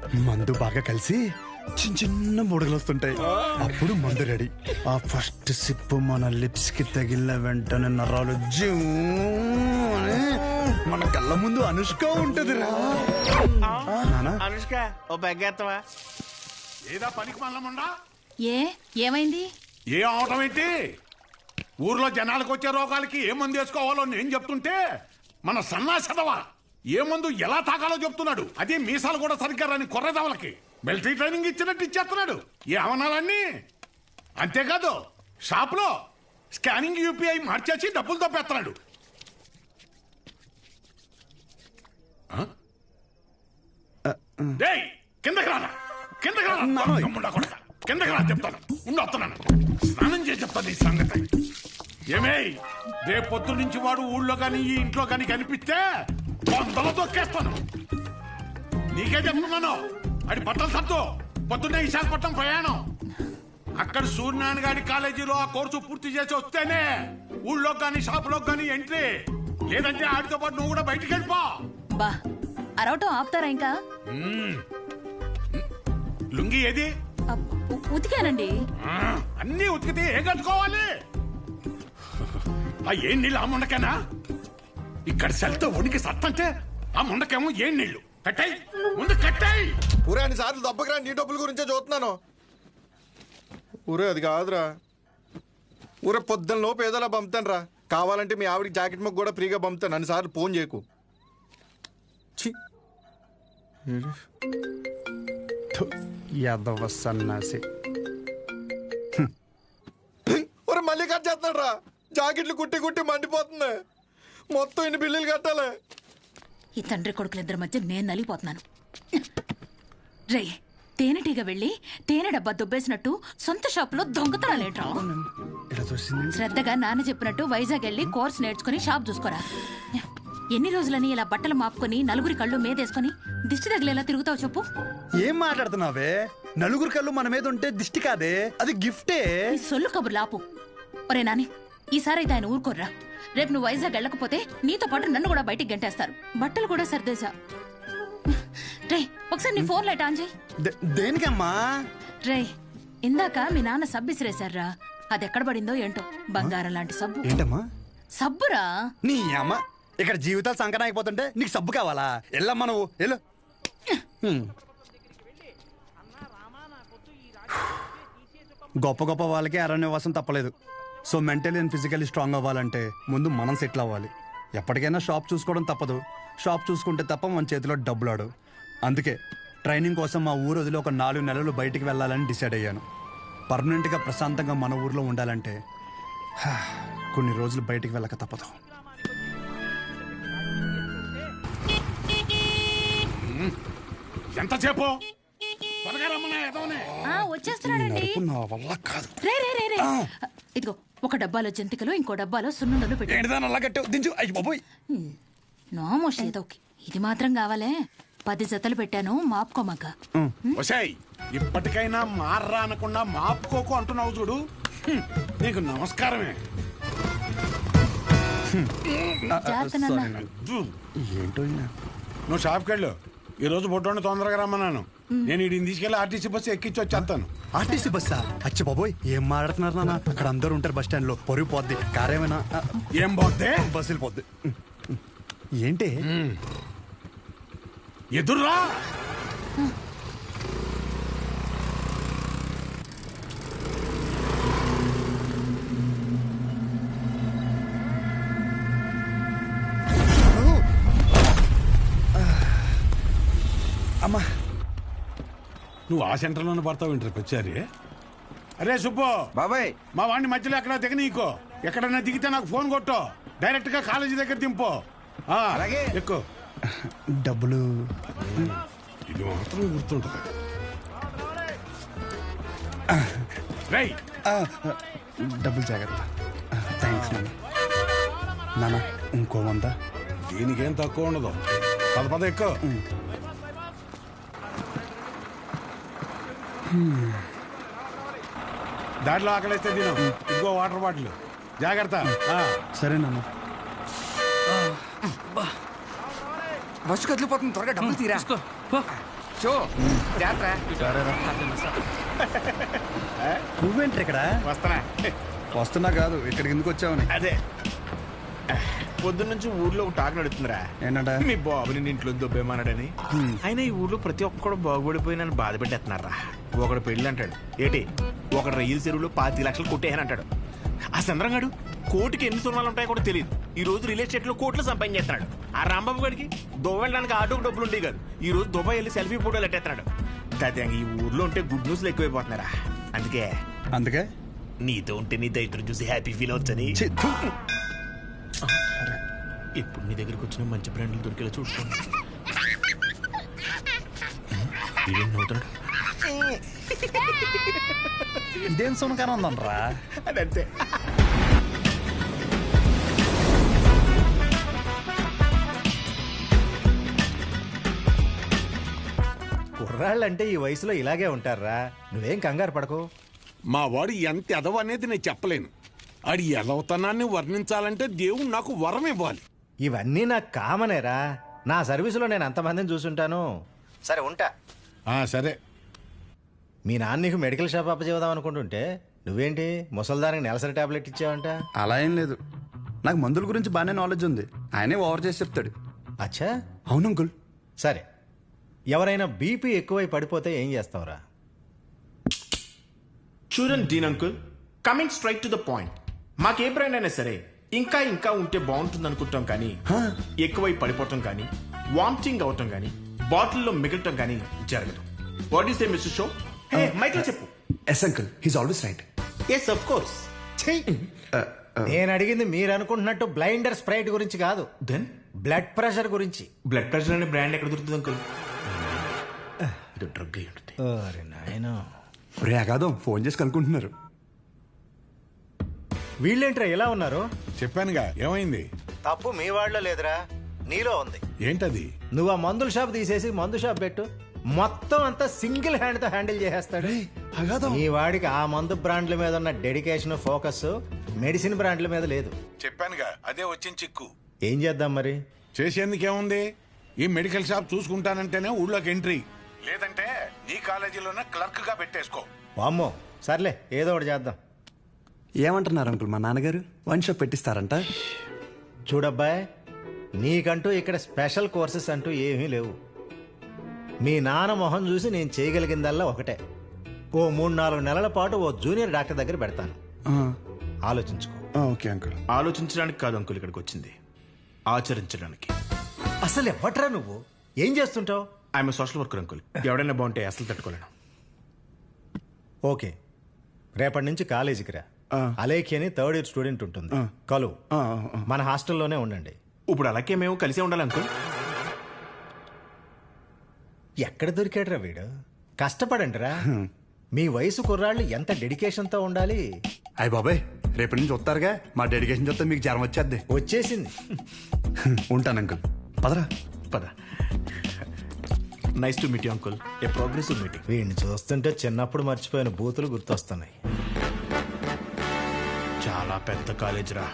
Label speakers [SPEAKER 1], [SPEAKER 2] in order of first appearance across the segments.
[SPEAKER 1] మందు బాగా కలిసి చిన్న చిన్న బుడగలు వస్తుంటాయి. అప్పుడు మందు రెడీ. ఆ ఫస్ట్ సిప్ మన లిప్స్ కి తగిలిన వెంటనే నరాలు జూ అని మన కళ్ళ ముందు అనుష్క ఉంటదిరా.
[SPEAKER 2] అనుష్క ఓ బెగ్గేత్తవా?
[SPEAKER 3] ఏదా పనికి మల్లముండా?
[SPEAKER 4] ఏమైంది?
[SPEAKER 3] ఏ అవటం ఏంటి? ఊర్లో జనాలకు వచ్చే రోగాలకి ఏ మందు వేసుకోవాలో నేను చెప్తుంటే మన సన్నాసదవా ఏ మందు ఎలా తాగాలో చెప్తున్నాడు. అదే మీసాలు కూడా సరిగ్గా రాని కొర్రదవలకి మిలిటరీ ట్రైనింగ్ ఇచ్చినట్టు ఇచ్చేస్తున్నాడు. ఏ అవనాలన్నీ అంతేకాదు షాప్ లో స్కానింగ్ యూపీఐ మార్చేసి డబ్బులు తప్పేస్తున్నాడు. కిందకి రానా, కిందకి రానా, కిందకి రా చెప్తాను. ఉండి వస్తున్నాను, స్నానం చేసి చెప్తాను ఈ సంగతి. ఏమే రేపు పొద్దు నుంచి వాడు ఊళ్ళో కానీ ఈ ఇంట్లో కానీ కనిపిస్తే వందలు తొక్కేస్తాను. నీకే చెప్తున్నాను. అది బట్టలు సత్తు పొద్దున్నే విశాఖపట్నం ప్రయాణం. అక్కడ సూర్యనారాయణ గారి కాలేజీలో ఆ కోర్సు పూర్తి చేసి వస్తేనే ఊళ్ళో కానీ షాపులో కానీ ఎంట్రీ. లేదంటే ఆడితో పాటు నువ్వు కూడా బయటికి వెళ్ళిపో.
[SPEAKER 4] బా అరవటం ఆపుతారా ఇంకా?
[SPEAKER 3] లుంగి ఏది?
[SPEAKER 4] ఉతికానండి.
[SPEAKER 3] అన్నీ ఉతికితే ఏ కట్టుకోవాలి? ఆ ఏం నీళ్ళు ఆ ముండకేనా? ఇక్కడ సెల్తో వణికి సత్తంటే ఆ ముండకేమో ఏం నీళ్లు కట్టాయి, ముందు కట్టాయి.
[SPEAKER 5] ఊరే అన్ని సార్లు దెబ్బకిరా, నీ డబ్బుల గురించే చూస్తున్నాను. ఊరే అది కాదురా, ఊరే పొద్దున్న లోపు ఏదోలా పంపుతాను రా. కావాలంటే మీ ఆవిడికి జాకెట్ మొక్క కూడా ఫ్రీగా పంపుతాను. అన్నిసార్లు ఫోన్ చేయకు.
[SPEAKER 1] యాదవ సన్నాసి.
[SPEAKER 5] ఊరే మళ్ళీ కట్ చేస్తున్నాడు రా. జాకెట్లు కుట్టి కుట్టి మండిపోతుంది. మొత్తం ఇన్ని బిల్లులు కట్టాలి.
[SPEAKER 4] ఈ తండ్రి కొడుకులిద్దరి మధ్య నేను నలిగిపోతున్నాను. రే తేనెటీగ వెళ్ళి తేనె డబ్బా దుబ్బేసినట్టు సొంత షాపులో దొంగతనాలేట్రా? శ్రద్ధగా నాన్న చెప్పినట్టు వైజాగ్ వెళ్ళి కోర్స్ నేర్చుకుని షాప్ చూసుకోరా. ఎన్ని రోజులని ఇలా బట్టలు మాపుకొని నలుగురి కళ్ళు మీదేసుకుని దిష్టి తగిలేలా తిరుగుతావు చెప్పు?
[SPEAKER 1] ఏం మాట్లాడుతున్నావే? నలుగురు కళ్ళు మన మీద ఉంటే దిష్టి కాదే, అది గిఫ్టే.
[SPEAKER 4] ఈ సొల్లు కబుర్లు ఆపు. ఒరే నాని, ఈసారి అయితే ఆయన ఊరుకోర్రా. రేపు నువ్వు వైజాగ్ వెళ్ళకపోతే నీతో పాటు నన్ను కూడా బయటికి గంటేస్తారు. బట్టలు కూడా సర్దేశా. రే ఒకసారి నీ ఫోన్ లైట్ ఆన్ చేయి.
[SPEAKER 1] దేనికమ్మా?
[SPEAKER 4] రే ఇందాక మీ నాన్న సబ్బు ఇసిరేశారా, అది ఎక్కడ పడిందో ఏంటో. బంగారం లాంటి సబ్బు.
[SPEAKER 1] ఏంటమ్మా?
[SPEAKER 4] సబ్బురా.
[SPEAKER 1] నీ అమ్మ ఇక్కడ జీవితాలు సంకటం అయిపోతుంటే నీకు సబ్బు కావాలా? ఎల్లమ్మా నువ్వు వెళ్ళు. గొప్ప గొప్ప వాళ్ళకి అరణ్యవాసం తప్పలేదు. So mentally and physically strong అవ్వాలంటే ముందు మనం సెటిల్ అవ్వాలి. ఎప్పటికైనా షాప్ చూసుకోవడం తప్పదు. షాప్ చూసుకుంటే తప్ప మన చేతిలో డబ్బులాడు. అందుకే ట్రైనింగ్ కోసం మా ఊరు వదిలి ఒక 4 నెలలు బయటికి వెళ్ళాలని డిసైడ్ అయ్యాను. పర్మనెంట్గా ప్రశాంతంగా మన ఊర్లో ఉండాలంటే కొన్ని రోజులు బయటికి వెళ్ళక తప్పదు.
[SPEAKER 3] ఎంతసేపు
[SPEAKER 4] వచ్చేస్తున్నాడండి.
[SPEAKER 1] నా వల్ల కాదు.
[SPEAKER 4] రే రే రే రే ఇదిగో ఒక డబ్బాలో జంతికలు, ఇంకో డబ్బాలో సున్నుండలు పెట్టి. నోమోష్ ఏదో ఇది మాత్రం కావాలే. 10 జతలు పెట్టాను, మాపుకోమాక.
[SPEAKER 3] ఇప్పటికైనా మార్రా అనకుండా మాపుకోకు అంటున్నావు చూడు. నీకు నమస్కారమే.
[SPEAKER 1] ఏంటో
[SPEAKER 3] నువ్వు షాప్కి వెళ్ళు. ఈ రోజు బొడ్డోని తొందరగా రమ్మన్నాను. నేను వీడిని తీసుకెళ్లి ఆర్టీసీ బస్సు ఎక్కించి వచ్చేస్తాను.
[SPEAKER 1] ఆర్టీసీ బస్సా? అచ్చి బాబోయ్, ఏం మాట్లాడుతున్నారు నాన్న? అక్కడ అందరూ ఉంటారు బస్ స్టాండ్ లో. పొరుగు పోద్ది. కారేమైనా
[SPEAKER 3] ఏం పోతే?
[SPEAKER 1] బస్సు వెళ్ళిపోద్ది. ఏంటి
[SPEAKER 3] ఎదుర్రా?
[SPEAKER 1] అమ్మా,
[SPEAKER 3] నువ్వు ఆ సెంటర్లోనే పడతావు ఇంటర్కి వచ్చారి. అరే సుబ్బు
[SPEAKER 5] బాబాయ్,
[SPEAKER 3] మా వాడిని మధ్యలో ఎక్కడ దిగనీకో. ఎక్కడన్నా దిగితే నాకు ఫోన్ కొట్టు. డైరెక్ట్ గా కాలేజీ దగ్గర దింపు. అలాగే ఎక్కువ
[SPEAKER 1] డబ్బులు
[SPEAKER 3] ఇది మాత్రం గుర్తుంటుంది. రైట్,
[SPEAKER 1] డబ్బులు జాగ్రత్త. థ్యాంక్స్ నాన్న. నాన్న ఇంకో 100.
[SPEAKER 3] దీనికేం తక్కువ ఉండదు. పద ఎక్కువ. దాంట్లో ఆకలిస్తే తిను. ఇదిగో వాటర్ బాటిల్, జాగ్రత్త.
[SPEAKER 1] సరే నాన్న.
[SPEAKER 6] బస్సు కదిలిపోతుంది, త్వరగా డబ్బులు తీరా.
[SPEAKER 2] షో జాత్ర
[SPEAKER 1] నువ్వేంటి ఇక్కడ
[SPEAKER 2] వస్తానా
[SPEAKER 1] వస్తున్నా కాదు ఇక్కడికి ఎందుకు వచ్చావని.
[SPEAKER 2] అదే పొద్దున్న నుంచి ఊర్లో ఒక టాక్ నడుతుందిరా.
[SPEAKER 1] ఏంటంట?
[SPEAKER 2] మీ బాబుని నీ ఇంట్లో దొబ్బేమన్నాడని. అయినా ఈ ఊర్లో ప్రతి ఒక్కడు బాగుపడిపోయి నన్ను బాధ పెట్టేస్తున్నారా. ఒకడు పెళ్ళి అంటాడు, ఏటి ఒకడు రైలు చెరువులో 25 లక్షలు కొట్టేయని అంటాడు. ఆ చంద్రంగాడు కోటికి ఎన్ని సున్నాలు ఉంటాయో కూడా తెలియదు. ఈ రోజు రియల్ ఎస్టేట్ లో కోట్లు సంపాదించేస్తున్నాడు. ఆ రాంబాబు గడికి దుబాయ్ వెళ్ళడానికి ఆటోకి డబ్బులు ఉండేవి కాదు. ఈ రోజు దుబాయ్ వెళ్ళి సెల్ఫీ ఫోటోలు ఎట్టేస్తున్నాడు. ఈ ఊర్లో ఉంటే గుడ్ న్యూస్లు ఎక్కువైపోతున్నారా.
[SPEAKER 1] అందుకే
[SPEAKER 2] నీతో ఉంటే నీ దైత్రం చూసి హ్యాపీ ఫీల్ అవచ్చని
[SPEAKER 1] ఛీ, థు.
[SPEAKER 2] ఇప్పుడు నీ దగ్గరికి వచ్చిన మంచి బ్రాండ్లు దొరికేలా చూసుకోండి. నవ్వుతున్నాడు.
[SPEAKER 1] ఇదేం సునకాన ఉందనరా.
[SPEAKER 2] అదంతే.
[SPEAKER 6] కుర్రాళ్ళంటే ఈ వయసులో ఇలాగే ఉంటారా. నువ్వేం కంగారు పడకు.
[SPEAKER 3] మా వాడు ఎంత ఎదవ అనేది నేను చెప్పలేను. ఆడి ఎదవతనాన్ని వర్ణించాలంటే దేవుడు నాకు వరం ఇవ్వాలి.
[SPEAKER 6] ఇవన్నీ నాకు కామనేరా. నా సర్వీసులో నేను అంతమందిని చూసుంటాను. సరే ఉంటా.
[SPEAKER 3] సరే.
[SPEAKER 6] మీ నాన్న నీకు మెడికల్ షాప్ అప్పచేద్దాం అనుకుంటుంటే నువ్వేంటి ముసల్దానికి నెలసరి టాబ్లెట్ ఇచ్చావంట.
[SPEAKER 1] అలా ఏం లేదు, నాకు మందుల గురించి బాగానే నాలెడ్జ్ ఉంది. ఆయనే ఓవర్ చేసి చెప్తాడు.
[SPEAKER 6] అచ్చా,
[SPEAKER 1] అవును అంకుల్.
[SPEAKER 6] సరే. ఎవరైనా బీపీ ఎక్కువై పడిపోతే ఏం చేస్తావురా?
[SPEAKER 2] చూడండి dean uncle, coming straight to the point. మాకే బ్రాండ్ అయినా సరే ఇంకా ఇంకా ఉంటే బాగుంటుంది అనుకుంటాం, కానీ ఎక్కువై పడిపోవటం కానీ వామిటింగ్ అవటం కానీ బాటిల్లో మిగలటం కానీ జరగదు. What is the mister show? మైక్లో చెప్పు.
[SPEAKER 1] Yes uncle, he's always right.
[SPEAKER 2] Yes of course.
[SPEAKER 6] నేను అడిగింది మీరు అనుకుంటున్నట్టు బ్లైండర్ స్ప్రైట్ గురించి కాదు,
[SPEAKER 2] దెన్
[SPEAKER 6] బ్లడ్ ప్రెషర్ గురించి.
[SPEAKER 2] బ్లడ్ ప్రెషర్ అనే బ్రాండ్ ఎక్కడ దొరుకుతుంది అంకుల్? ఇది డ్రగ్ అయి ఉంటుంది.
[SPEAKER 6] అరే నాయనా,
[SPEAKER 1] రే అగాదం ఫోన్ చేసి కనుక్కుంటున్నారు.
[SPEAKER 6] వీళ్ళేంట్రా ఇలా ఉన్నారు?
[SPEAKER 3] చెప్పానుగా ఏమైంది.
[SPEAKER 6] తప్పు మీ వాళ్ళలో లేదురా, నీలో ఉంది.
[SPEAKER 3] ఏంటది?
[SPEAKER 6] నువ్వు ఆ మందుల షాప్ తీసేసి మందు షాప్ పెట్టు, మొత్తం అంతా సింగిల్ హ్యాండ్ తో హ్యాండిల్ చేసేస్తాడు. ఈ వాడికి ఆ మందు బ్రాండ్ల మీద ఉన్న డెడికేషన్, ఫోకస్ మెడిసిన్ బ్రాండ్ల మీద లేదు.
[SPEAKER 3] చెప్పానుగా అదే వచ్చిన చిక్కు.
[SPEAKER 6] ఏం చేద్దాం మరి?
[SPEAKER 3] చేసేందుకేముంది, ఈ మెడికల్ షాప్ చూసుకుంటానంటేనే ఊళ్ళోకి ఎంట్రీ, లేదంటే నీ కాలేజీలోనే క్లర్క్ గా పెట్టేసుకో.
[SPEAKER 6] వామ్మో, సర్లే ఏదో ఒకటి చేద్దాం.
[SPEAKER 1] ఏమంటున్నారు అంకుల్, మా నాన్నగారు వన్ షాప్ పెట్టిస్తారంట.
[SPEAKER 6] చూడబ్బాయ్, నీకంటూ ఇక్కడ స్పెషల్ కోర్సెస్ అంటూ ఏమీ లేవు. మీ నాన్న మొహం చూసి నేను చేయగలిగిందల్లా ఒకటే, ఓ 3-4 నెలల పాటు ఓ జూనియర్ డాక్టర్ దగ్గర పెడతాను. ఆలోచించుకో.
[SPEAKER 1] Okay uncle.
[SPEAKER 2] ఆలోచించడానికి కాదు అంకుల్ ఇక్కడికి వచ్చింది, ఆచరించడానికి.
[SPEAKER 6] అసలు ఎవ్వట్రా నువ్వు? ఏం చేస్తుంటావు?
[SPEAKER 2] I'm social worker uncle. ఎవడైనా బాగుంటే అసలు తట్టుకోలేను.
[SPEAKER 6] ఓకే, రేపటి నుంచి కాలేజీకి రా. అలేఖి అని 3rd ఇయర్ స్టూడెంట్ ఉంటుంది, కలువు. మన హాస్టల్లోనే ఉండండి.
[SPEAKER 2] ఇప్పుడు అలాగే మేము కలిసే ఉండాలి అంకుల్.
[SPEAKER 6] ఎక్కడ దొరికాడురా వీడు? కష్టపడండి రా. మీ వయసు కుర్రాళ్ళు ఎంత డెడికేషన్తో ఉండాలి.
[SPEAKER 1] అయ్య బాబాయ్, రేపటి నుంచి వస్తారుగా, మా డెడికేషన్ చూస్తే మీకు జ్వరం వచ్చేద్ది.
[SPEAKER 6] వచ్చేసింది.
[SPEAKER 1] ఉంటాను అంకుల్. పదరా.
[SPEAKER 2] పద. Nice to meet you uncle. A progressive meeting.
[SPEAKER 6] వీడిని చూస్తుంటే చిన్నప్పుడు మర్చిపోయిన బూతులు గుర్తొస్తున్నాయి.
[SPEAKER 2] చాలా పెద్ద కాలేజ్ రా.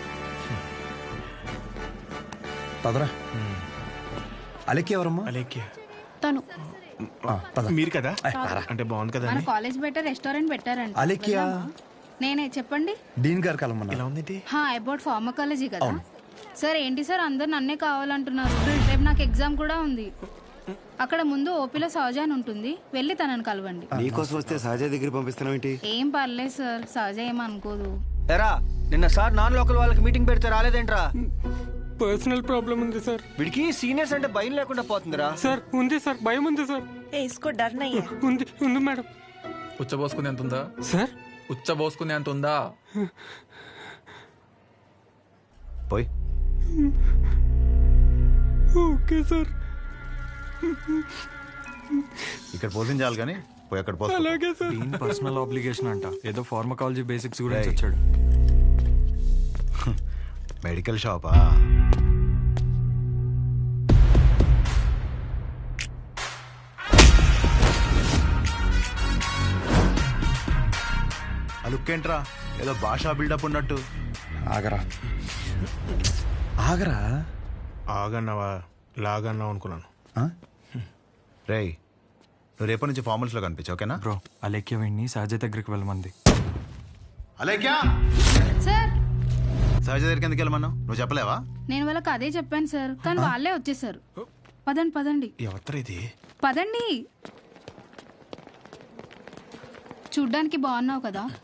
[SPEAKER 1] పదరా. అలెక్కి ఎవరమ్మా?
[SPEAKER 2] అలేఖ్య
[SPEAKER 7] తను
[SPEAKER 2] మీరు కదా? అంటే బాగుంది కదా
[SPEAKER 7] మన
[SPEAKER 2] అని.
[SPEAKER 7] కాలేజ్ బెటర్ రెస్టారెంట్ పెట్టారంట.
[SPEAKER 1] అలెక్కియా?
[SPEAKER 7] నేనే, చెప్పండి.
[SPEAKER 1] డీన్ గారు కలమన్నా.
[SPEAKER 2] ఎలా ఉంది?
[SPEAKER 7] అబౌట్ ఫార్మకాలజీ కదా సార్. ఏంటి సార్ అందరు నన్నే కావాలంటున్నారు? రేపు నాకు ఎగ్జామ్ కూడా ఉంది. అక్కడ ముందు ఓపీలో సహజ అని ఉంటుంది, వెళ్ళి తనని కలవండి.
[SPEAKER 8] నీకోసం వస్తే సహజ దగ్గర పంపిస్తున్నావు ఏంటి?
[SPEAKER 7] ఏం పర్లేదు సార్, సహజ ఏమనుకోదు.
[SPEAKER 8] ఎరా, నిన్న సార్ నాన్ లోకల్ వాళ్ళకి మీటింగ్ పెడితే రాలేదేంట్రా?
[SPEAKER 9] పర్సనల్ ప్రాబ్లం ఉంది సార్.
[SPEAKER 8] వీడికి సీనియర్స్ అంటే భయం లేకుండా పోతుందిరా.
[SPEAKER 9] సార్ ఉంది సార్, భయం ఉంది సార్. ఉంది ఉంది మేడం.
[SPEAKER 10] ఉచ్చబోసుకునే అంత ఉందా
[SPEAKER 9] సార్?
[SPEAKER 10] ఉచ్చబోసుకునే అంత ఉందా?
[SPEAKER 8] పోయి.
[SPEAKER 9] Okay sir.
[SPEAKER 8] ఇక్కడ పోషించాలి కానీ పోయి అక్కడ పోయి.
[SPEAKER 9] అలాగే సార్.
[SPEAKER 10] పర్సనల్ ఆబ్లిగేషన్ అంట, ఏదో ఫార్మకాలజీ బేసిక్స్ గురించి వచ్చాడు.
[SPEAKER 8] మెడికల్ షాపా? అలుక్కేంట్రా, ఏదో భాషా బిల్డప్ ఉన్నట్టు.
[SPEAKER 1] ఆగరా. ఆగరా.
[SPEAKER 2] ఆగన్నావా లాగన్నావు అనుకున్నాను.
[SPEAKER 8] రేయ్,
[SPEAKER 11] నువ్వు రేపటి నుంచి ఫార్మల్స్లో కనిపించు, ఓకేనా?
[SPEAKER 10] బ్రో అలేఖ్య వెండి సహజ దగ్గరికి వెళ్ళమంది.
[SPEAKER 11] అలేఖ్యా,
[SPEAKER 7] సార్
[SPEAKER 11] సహజ దగ్గరికి ఎందుకు వెళ్ళమన్నావు? నువ్వు చెప్పలేవా?
[SPEAKER 7] నేను వాళ్ళకి అదే చెప్పాను సార్, కానీ వాళ్ళే వచ్చేసారు. పదండి పదండి
[SPEAKER 2] ఎవరు ఇది?
[SPEAKER 7] పదండి. చూడ్డానికి బాగున్నావు కదా,